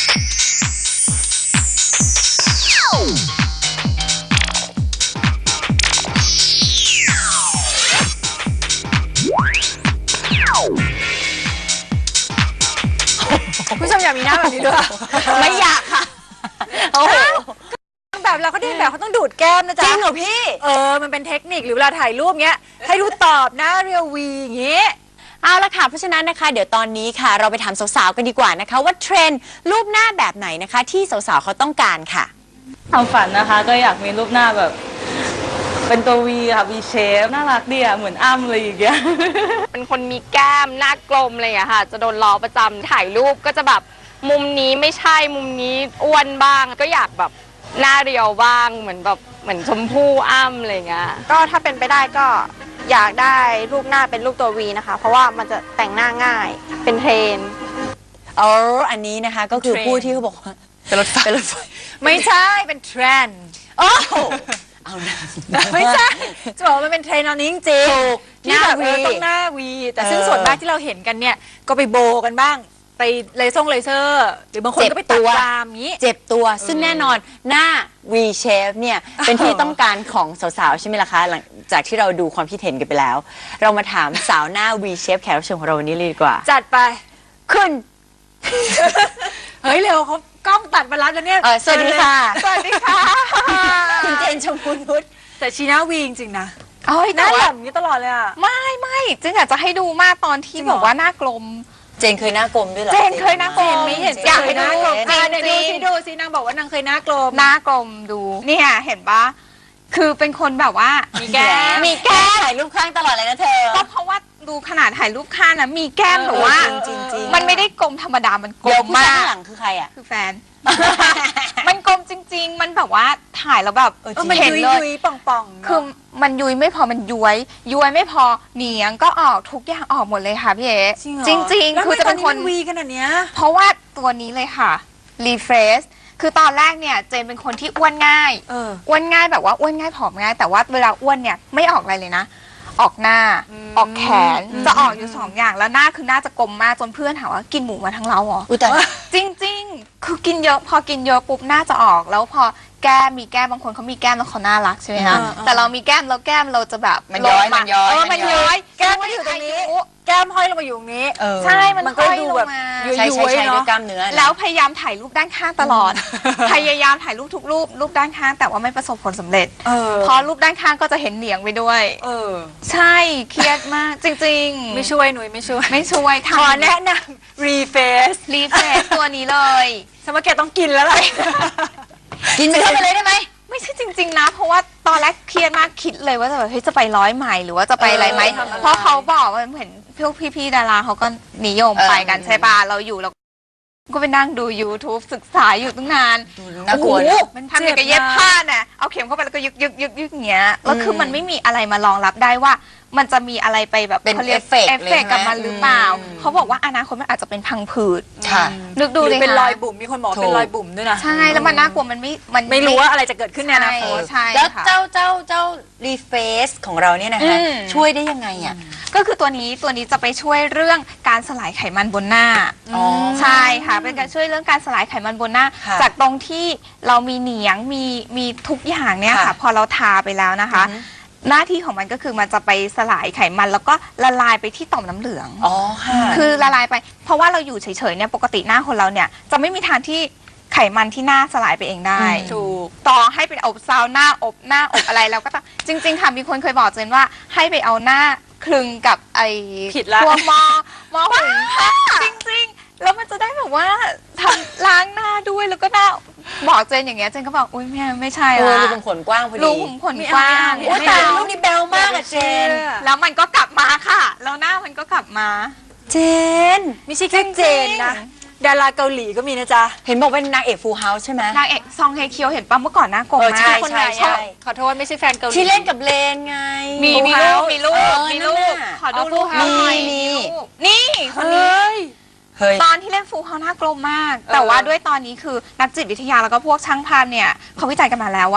ผู้ชมอยากมีหน้าแบบนี้ด้วยไม่อยากค่ะโอ้โหแบบเราเขาเรียนแบบเขาต้องดูดแก้มนะจ๊ะจริงเหรอพี่มันเป็นเทคนิคหรือเวลาถ่ายรูปเงี้ยให้ดูตอบหน้าเรียววีอย่างเงี้ยเอาละค่ะเพราะฉะนั้นนะคะเดี๋ยวตอนนี้ค่ะเราไปถามสาวๆกันดีกว่านะคะว่าเทรนด์รูปหน้าแบบไหนนะคะที่สาวๆเขาต้องการค่ะความฝันนะคะก็อยากมีรูปหน้าแบบเป็นตัว V ค่ะ V shape น่ารักดีอ่ะเหมือนอ้ำเลยอย่างเงี้ยเป็นคนมีแก้มหน้ากลมอะไรอย่างเงี้ยค่ะจะโดนล้อประจำถ่ายรูปก็จะแบบมุมนี้ไม่ใช่มุมนี้อ้วนบ้างก็อยากแบบหน้าเรียวบ้างเหมือนชมพู่อ้ำอะไรเงี้ยก็ถ้าเป็นไปได้ก็อยากได้รูปหน้าเป็นรูปตัว V นะคะเพราะว่ามันจะแต่งหน้าง่ายเป็นเทรนอันนี้นะคะก็คือผู้ที่เขาบอกว่าเป็นรถไฟไม่ใช่เป็นเทรนด์เอาหน้าไม่ใช่จะบอกว่ามันเป็นเทรนด์ตอนนี้จริงๆที่แบบต้องหน้าวีแต่ซึ่งส่วนมากที่เราเห็นกันเนี่ยก็ไปโบกันบ้างไปเลเซอร์หรือบางคนก็ไปตัดตามนี้เจ็บตัวซึ่งแน่นอนหน้า V shape เนี่ยเป็นที่ต้องการของสาวๆใช่ไหมล่ะคะหลังจากที่เราดูความคิดเห็นกันไปแล้วเรามาถามสาวหน้า V shape แขกรับเชิญของเราวันนี้เลยดีกว่าจัดไปขึ้นเฮ้ยเร็วเขากล้องตัดมาแล้วเนี่ยสวัสดีค่ะสวัสดีค่ะคุณเจนชมพูนุชแต่ชีหน้าวีจริงๆนะหน้าหล่ำนี้ตลอดเลยอ่ะไม่จึงอยากจะให้ดูมากตอนที่บอกว่าหน้ากลมเจนเคยหน้ากลมด้วยเหรอเจนเคยหน้ากลมไม่เห็นอยากให้หน้ากลมดูสินางบอกว่านางเคยหน้ากลมดูเนี่ยเห็นปะคือเป็นคนแบบว่ามีแก้มถ่ายรูปข้างตลอดเลยนะเธอก็เพราะว่าดูขนาดถ่ายรูปข้างนะมีแก้มแต่ว่ามันไม่ได้กลมธรรมดามันกลมมากข้างหลังคือใครอ่ะคือแฟนมันกลมจริงๆมันแบบว่าถ่ายแล้วแบบมันยุยป่องคือมันยุยไม่พอมันย้วยไม่พอเหนียงก็ออกทุกอย่างออกหมดเลยค่ะพี่เอ๋จริงๆคือจะเป็นคนวีขนาดเนี้ยเพราะว่าตัวนี้เลยค่ะรีเฟรชคือตอนแรกเนี่ยเจนเป็นคนที่อ้วนง่ายอ้วนง่ายแบบว่าอ้วนง่ายผอมง่ายแต่ว่าเวลาอ้วนเนี่ยไม่ออกอะไรเลยนะออกหน้าออกแขนจะออกอยู่2 อย่างแล้วหน้าคือหน้าจะกลมมากจนเพื่อนถามว่ากินหมูมาทั้งเราเหรอจริงๆคือกินเยอะพอกินเยอะปุ๊บหน้าจะออกแล้วพอแก้มมีแก้มบางคนเขามีแก้มแล้วเขาน่ารักใช่ไหมคะแต่เรามีแก้มแล้วแก้มเราจะแบบมันย้อยมันย้อยแก้มก็อยู่ตรงนี้แก้มห้อยลงมาอยู่ตรงนี้ใช่มันก็ดูแบบใช่ด้วยกล้ามเนื้อแล้วพยายามถ่ายรูปด้านข้างตลอดพยายามถ่ายรูปทุกรูปด้านข้างแต่ว่าไม่ประสบผลสำเร็จพอรูปด้านข้างก็จะเห็นเหนียงไปด้วยใช่เครียดมากจริงๆไม่ช่วยหนุ่ยไม่ช่วยขอแนะนำรีเฟซตัวนี้เลยสมมติแกต้องกินแล้วเลยกินไปเข้าไปเลยได้ไหมไม่ใช่จริงๆนะเพราะว่าตอนแรกเครียดมากคิดเลยว่าจะแบบเฮ้ยจะไป100 ไมล์หรือว่าจะไปอะไรไหมเพราะเขาบอกว่าเห็นพวกพี่ๆดาราเขาก็นิยมไปกันใช่ป่ะเราอยู่เราก็ไปนั่งดู YouTube ศึกษาอยู่ตั้งนานน่ากลัวมันทำอย่างกับเย็บผ้าน่ะเอาเข็มเข้าไปแล้วก็ยึกอย่างเงี้ยแล้วคือมันไม่มีอะไรมารองรับได้ว่ามันจะมีอะไรไปแบบเป็นเอฟเฟกต์กับมันหรือเปล่าเขาบอกว่าอนาคตมันอาจจะเป็นพังผืดนึกดูเลยเป็นรอยบุ๋มมีคนบอกเป็นรอยบุ๋มด้วยนะใช่แล้วมันน่ากลัวมันไม่รู้ว่าอะไรจะเกิดขึ้นในอนาคตแล้วเจ้ารีเฟซของเราเนี่ยนะคะช่วยได้ยังไงอ่ะก็คือตัวนี้จะไปช่วยเรื่องการสลายไขมันบนหน้าใช่ค่ะเป็นการช่วยเรื่องการสลายไขมันบนหน้าจากตรงที่เรามีเหนียงมีทุกอย่างเนี่ยค่ะพอเราทาไปแล้วนะคะหน้าที่ของมันก็คือมันจะไปสลายไขมันแล้วก็ละลายไปที่ต่อมน้ำเหลืองคือละลายไปเพราะว่าเราอยู่เฉยๆเนี่ยปกติหน้าคนเราเนี่ยจะไม่มีทางที่ไขมันที่หน้าสลายไปเองได้ถูกต่อให้เป็นอบซาวน่าอบอะไรแล้วก็จริงๆค่ะมีคนเคยบอกเจนว่าให้ไปเอาหน้าคลึงกับไอ้พวกหม้อหุงข้าวจริงๆแล้วมันจะได้แบบว่าทำล้างหน้าด้วยแล้วก็หน้าบอกเจนอย่างเงี้ยเจนก็บอกอุ้ยไม่ใช่ละรูขุมขนกว้างพอดีรูขุมขนกว้างแต่รูปนี้แบลมากอะเจนแล้วมันก็กลับมาค่ะแล้วหน้ามันก็กลับมาเจนไม่ใช่แค่เจนนะดาราเกาหลีก็มีนะจ๊ะเห็นบอกเป็นนางเอกฟูลเฮาส์ใช่ไหมนางเอกซองเฮเคียวเห็นป่ะเมื่อก่อนหน้ากลมมากใช่ขอโทษไม่ใช่แฟนเกาหลีที่เล่นกับเลนไงมีลูกขอดูรูปนี่คนนี้ตอนที่เล่นฟูเขาหน้ากลมมากแต่ว่าด้วยตอนนี้คือนักจิตวิทยาแล้วก็พวกช่างภาพเนี่ยเขาวิจัยกันมาแล้วว่า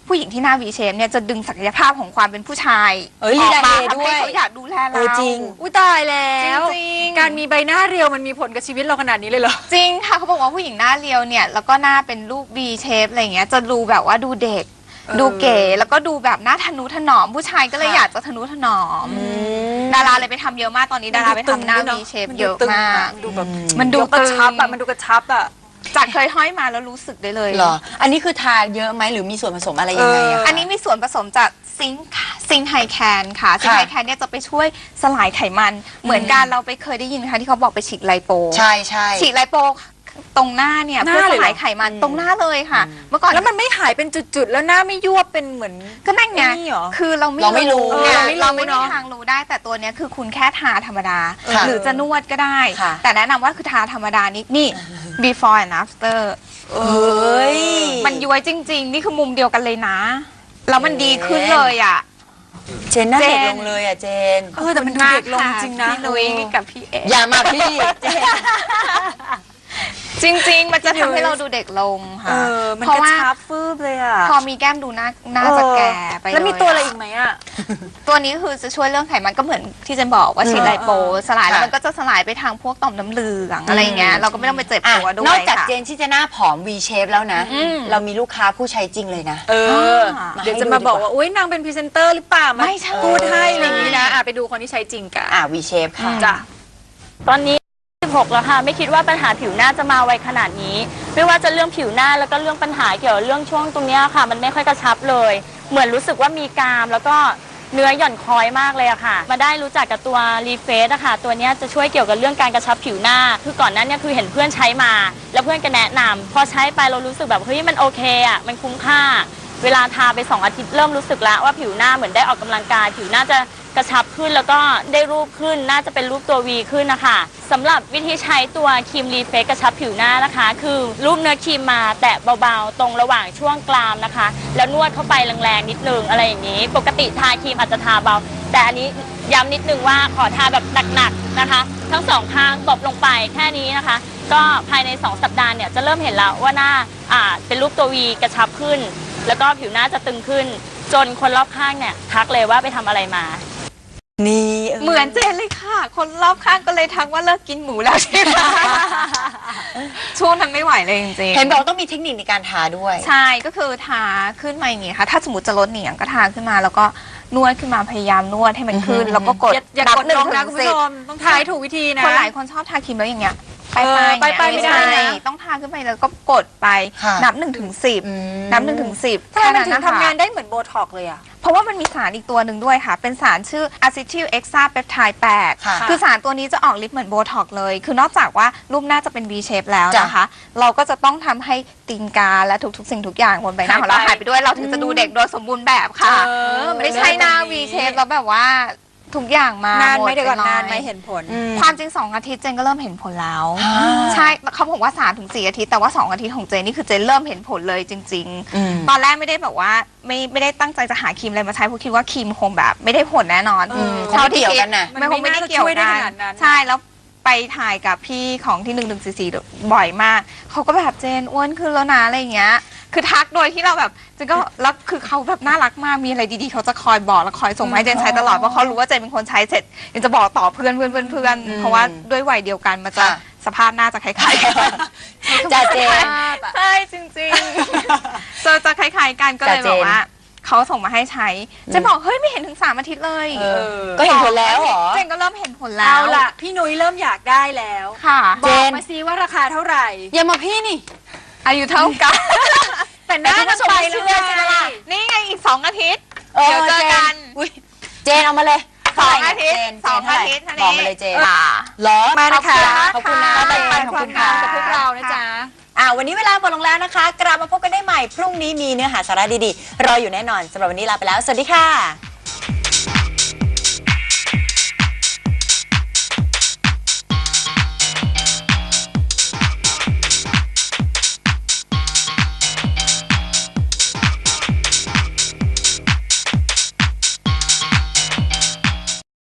ผู้หญิงที่หน้า V shape เนี่ยจะดึงศักยภาพของความเป็นผู้ชายเอ้ยออกมาลีลาเฮด้วยทำให้เขาอยากดูแลเราจริงอุ้ยตายแล้วจริงๆการมีใบหน้าเรียวมันมีผลกับชีวิตเราขนาดนี้เลยเหรอจริงค่ะเขาบอกว่าผู้หญิงหน้าเรียวเนี่ยแล้วก็หน้าเป็นรูป V shape อะไรเงี้ยจะดูแบบว่าดูเด็ก ดูเก๋แล้วก็ดูแบบหน้าทะนุถนอมผู้ชายก็เลยอยากจะทะนุถนอมดาราเลยไปทำเยอะมากตอนนี้ดาราไปทำหน้า V shape เยอะมากดูแบบมันดูกระชับตึอะงมันดูกระชับอะจากเคยห้อยมาแล้วรู้สึกได้เลยเหรอ อันนี้คือทาเยอะไหมหรือมีส่วนผสมอะไรยังไงอะอันนี้มีส่วนผสมจากซิงค์ไฮแคนค่ะซิงค์ไฮแคนเนี่ยจะไปช่วยสลายไขมัน เหมือนกันเราไปเคยได้ยินไหมคะที่เขาบอกไปฉีดไลโปใช่ใช่ฉีดไลโปตรงหน้าเนี่ยหน้าเพื่อเลสยเหรอลายไขมันตรงหน้าเลยค่ะ เมื่อก่อนแล้วมันไม่หายเป็นจุดๆ แล้วหน้าไม่ยวบเป็นเหมือนก็นั่นไงนี่เหรอคือเราเราไม่รู้เนี่ยเราเราไม่ไม่รู้มีเนอะทางรู้ได้แต่ตัวเนี้ยคือคุณแค่ทาธรรมดาค่ะหรือจะนวดก็ได้ค่ะแต่แนะนำว่าคือทาธรรมดานี่ before and after เอ้ยมันย้วยจริง ๆ นี่คือมุมเดียวกันเลยนะ แล้วมันดีขึ้นเลยอ่ะเจนหน้าเด็กเจนลงเลยอ่ะเจนแต่มันดูเด็กลงจริงนะพี่นุ้ยกับพี่เออย่ามาพี่เจนจริง ๆ มันจะทำให้เราดูเด็กลงค่ะมันเพราะกระว่าชับฟืบเลยอะพอมีแก้มดูหน้าจะแก่ไปเลยแล้วมีตัวอะไรอีกไหมอะตัวนี้คือจะช่วยเรื่องไขมันก็เหมือนที่เจนบอกว่าฉีดไลโปสลายแล้วมันก็จะสลายไปทางพวกต่อมน้ำเหลืองอะไรอย่างเงี้ยเราก็ไม่ต้องไปเจ็บอ่ะตัวด้วยนอกจากค่ะเจนที่จะหน้าผอม V shape แล้วนะอืมเรามีลูกค้าผู้ใช้จริงเลยนะเดี๋ยวจะมาบอกว่าอุ้ยนางเป็นพรีเซนเตอร์หรือเปล่ามาไม่ใช่พูดให้อะไรอย่างนี้นะไปดูคนที่ใช้จริงกัน V shape ค่ะจ้ะตอนนี้16แล้วค่ะไม่คิดว่าปัญหาผิวหน้าจะมาไวขนาดนี้ ไม่ว่าจะเรื่องผิวหน้าแล้วก็เรื่องปัญหาเกี่ยวกับเรื่องช่วงตรงเนี้ยค่ะ มันไม่ค่อยกระชับเลย เหมือนรู้สึกว่ามีกรามแล้วก็เนื้อหย่อนคล้อยมากเลยอะค่ะ มาได้รู้จักกับตัวรีเฟสอะค่ะตัวเนี้ยจะช่วยเกี่ยวกับเรื่องการกระชับผิวหน้า คือก่อนหนั้นเนี่ยคือเห็นเพื่อนใช้มา แล้วเพื่อนก็แนะนำพอใช้ไปเรารู้สึกแบบเฮ้ยมันโอเคอะมันคุ้มค่า เวลาทาไป2 อาทิตย์เริ่มรู้สึกแล้วว่าผิวหน้าเหมือนได้ออกกำลังกาย ผิวหน้าจะกระชับขึ้นแล้วก็ได้รูปขึ้นน่าจะเป็นรูปตัว V ขึ้นนะคะสำหรับวิธีใช้ตัวครีมรีเฟซกระชับผิวหน้านะคะ คือรูปเนื้อครีมมาแตะเบาๆตรงระหว่างช่วงกรามนะคะ แล้วนวดเข้าไปแรงๆนิดนึงอะไรอย่างนี้ ปกติทาครีมอาจจะทาเบา แต่อันนี้ย้ำนิดนึงว่าขอทาแบบหนักๆนะคะ ทั้งสองข้างตบลงไปแค่นี้นะคะ ก็ภายใน2 สัปดาห์เนี่ยจะเริ่มเห็นแล้วว่าหน้าเป็นรูปตัว V กระชับขึ้น แล้วก็ผิวหน้าจะตึงขึ้น จนคนรอบข้างเนี่ยทักเลยว่าไปทำอะไรมานี่เหมือนเจนเลยค่ะ คนรอบข้างก็เลยทักว่าเลิกกินหมูแล้วใช่ไหม ช่วงนั้นไม่ไหวเลยจริงๆเห็นบอกว่าต้องมีเทคนิคในการทาด้วยใช่ก็คือทาขึ้นมาอย่างงี้ค่ะ ถ้าสมมติจะลดเหนียงก็ทาขึ้นมาแล้วก็นวดขึ้นมาพยายามนวดให้มันขึ้น แล้วก็กดอย่ากดลงนะคุณผู้ชมต้องทายถูกวิธีนะคนหลายคนชอบทาครีมแล้วอย่างเงี้ยไปไปไม่ได้นะต้องทาขึ้นไปแล้วก็กดไปค่ะนับ1 ถึง 10นับ1 ถึง 10 ทำไมมันถึงทำงานได้เหมือนโบท็อกเลยอะเพราะว่ามันมีสารอีกตัวหนึ่งด้วยค่ะ เป็นสารชื่ออะซิทิลเอ็กซาเปปไทด์8 ค่ะคือสารตัวนี้จะออกฤทธิ์เหมือนโบท็อกเลย คือนอกจากว่ารูปหน้าจะเป็น V shape แล้วจ้ะนะคะ เราก็จะต้องทำให้ตีนกาและทุกๆสิ่งทุกอย่างบนใบหน้าของเราหายไปด้วย เราถึงจะดูเด็กโดยสมบูรณ์แบบค่ะ ไม่ใช่หน้า V shape แล้วแบบว่าทุกอย่างมานานหไหมดเดี๋ยวก่อนปลนานไหมเห็นผลความจริง2 อาทิตย์เจนก็เริ่มเห็นผลแล้ว ใช่เขาบอกว่า3 ถึง 4 อาทิตย์แต่ว่า2 อาทิตย์ของเจนนี่คือเจนเริ่มเห็นผลเลยจริง ๆ ตอนแรกไม่ได้แบบว่าไม่ได้ตั้งใจจะหาครีมอะไรมาใช้เพราะคิดว่าครีมคงแบบไม่ได้ผลแน่นอนคงไม่เกี่ยวกันน่ะไม่คงไม่ได้เกี่ยวมันไม่น่าจะช่วยได้กัขนาดนั้นใช่แล้วไปถ่ายกับพี่ของที่1144บ่อยมากเขาก็แบบเจนอ้วนขึ้นแล้วนะอะไรอย่างเงี้ยคือทักโดยที่เราแบบเจนก็แล้วคือเขาแบบน่ารักมากมีอะไรดีๆเขาจะคอยบอกแล้วคอยส่งมาให้เจนใช้ตลอดเพราะเขารู้ว่าเจนเป็นคนใช้เสร็จยังจะบอกต่อเพื่อนเพราะว่าด้วยวัยเดียวกันมันจะค่ะสภาพหน้าจะคล้ายๆกันจ่าเจนใช่จริงๆจะคล้ายๆกันก็เลยบอกว่าเขาส่งมาให้ใช้เจนบอกเฮ้ยไม่เห็นถึง3 อาทิตย์เลยก็เห็นผลแล้วเหรอเจนก็เริ่มเห็นผลแล้เอาวล่ะพี่นุ้ยเริ่มอยากได้แล้วค่ะบอกมาซิว่าราคาเท่าไหร่อย่ามาพี่นี่อายุเท่ากันแต่หน้ามันไปแล้วไงนี่ไงอีก2 อาทิตย์เออเดี๋ยวเจอกันอุ๊ยเจนเอามาเลย 2 อาทิตย์เจน 2 อาทิตย์บอกมาเลยเจนค่ะเหรอมานะคะขอบคุณนะมาเจแบ่งนปันขอบควาคุมณงาค่ะมกับพวกเรานะจ๊ะวันนี้เวลาหมดลงแล้วนะคะ กลับมาพบกันได้ใหม่พรุ่งนี้มีเนื้อหาสาระดีๆรออยู่แน่นอนสำหรับวันนี้ลาไปแล้วสวัสดีค่ะ